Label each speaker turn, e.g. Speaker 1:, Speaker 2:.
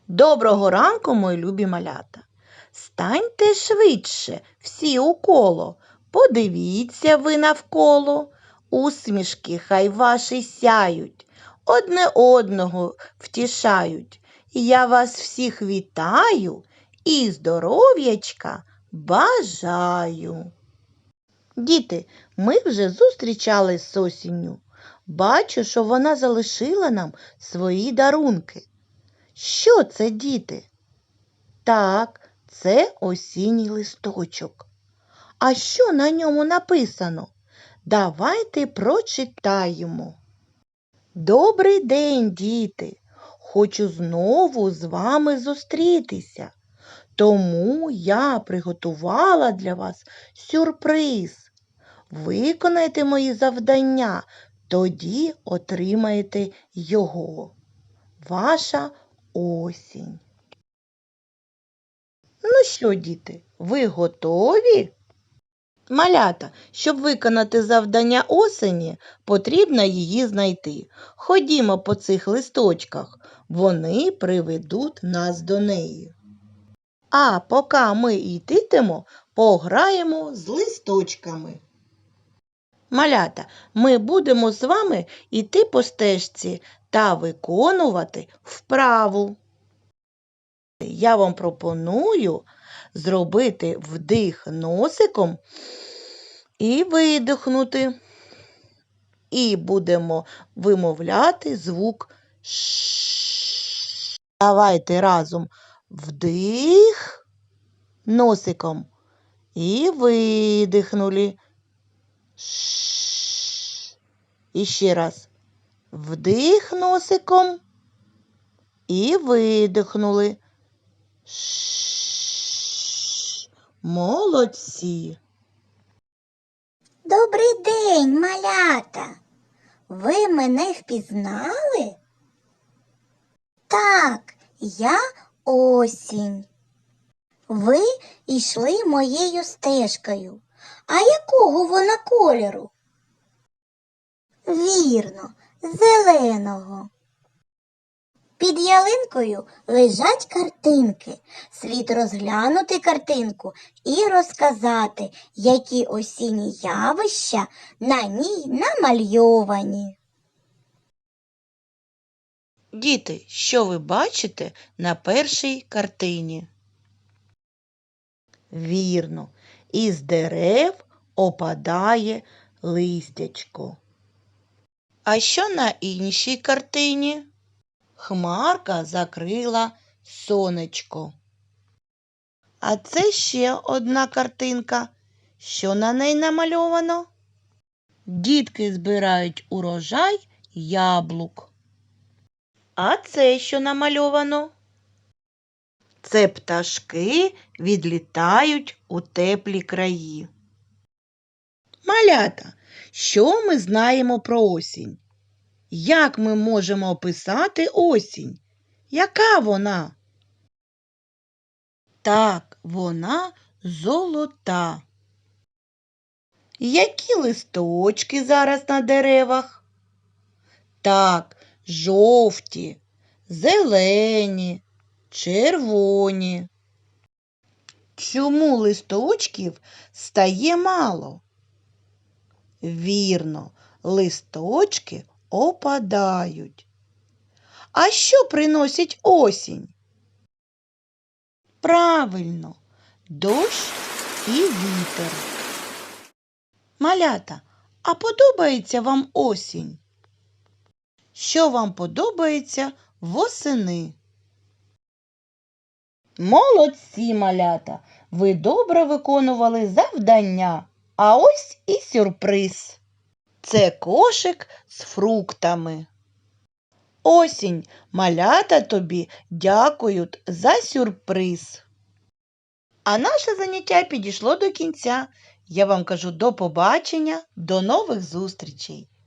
Speaker 1: Доброго ранку, мої любі малята. Станьте швидше всі у коло, подивіться ви навколо. Усмішки хай ваші сяють, одне одного втішають. Я вас всіх вітаю і здоров'ячка бажаю. Діти, ми вже зустрічались з осінню. Бачу, що вона залишила нам свої дарунки. Що це, діти? Так, це осінній листочок. А що на ньому написано? Давайте прочитаємо. Добрий день, діти! Хочу знову з вами зустрітися. Тому я приготувала для вас сюрприз. Виконайте мої завдання, тоді отримаєте його. Ваша осінь. Ну що, діти, ви готові? Малята, щоб виконати завдання осені, потрібно її знайти. Ходімо по цих листочках, вони приведуть нас до неї. А поки ми йтимемо, пограємо з листочками. Малята, ми будемо з вами йти по стежці та виконувати вправу. Я вам пропоную зробити вдих носиком і видихнути. І будемо вимовляти звук Ш. Давайте разом вдих носиком і видихнули. Ш. І ще раз. Вдих носиком і видихнули. Ш. Молодці.
Speaker 2: Добрий день, малята! Ви мене впізнали? Так, я осінь. Ви йшли моєю стежкою. А якого вона кольору? Вірно, зеленого. Під ялинкою лежать картинки. Слід розглянути картинку і розказати, які осінні явища на ній намальовані.
Speaker 1: Діти, що ви бачите на першій картині? Вірно, із дерев опадає листячко. А що на іншій картині? Хмарка закрила сонечко. А це ще одна картинка. Що на неї намальовано? Дітки збирають урожай яблук. А це що намальовано? Це пташки відлітають у теплі краї. Малята, що ми знаємо про осінь? Як ми можемо описати осінь? Яка вона? Так, вона золота. Які листочки зараз на деревах? Так, жовті, зелені, червоні. Чому листочків стає мало? Вірно, листочки опадають. А що приносить осінь? Правильно, дощ і вітер. Малята, а подобається вам осінь? Що вам подобається восени? Молодці, малята! Ви добре виконували завдання. А ось і сюрприз. Це кошик з фруктами. Осінь, малята тобі дякують за сюрприз. А наше заняття підійшло до кінця. Я вам кажу до побачення, до нових зустрічей.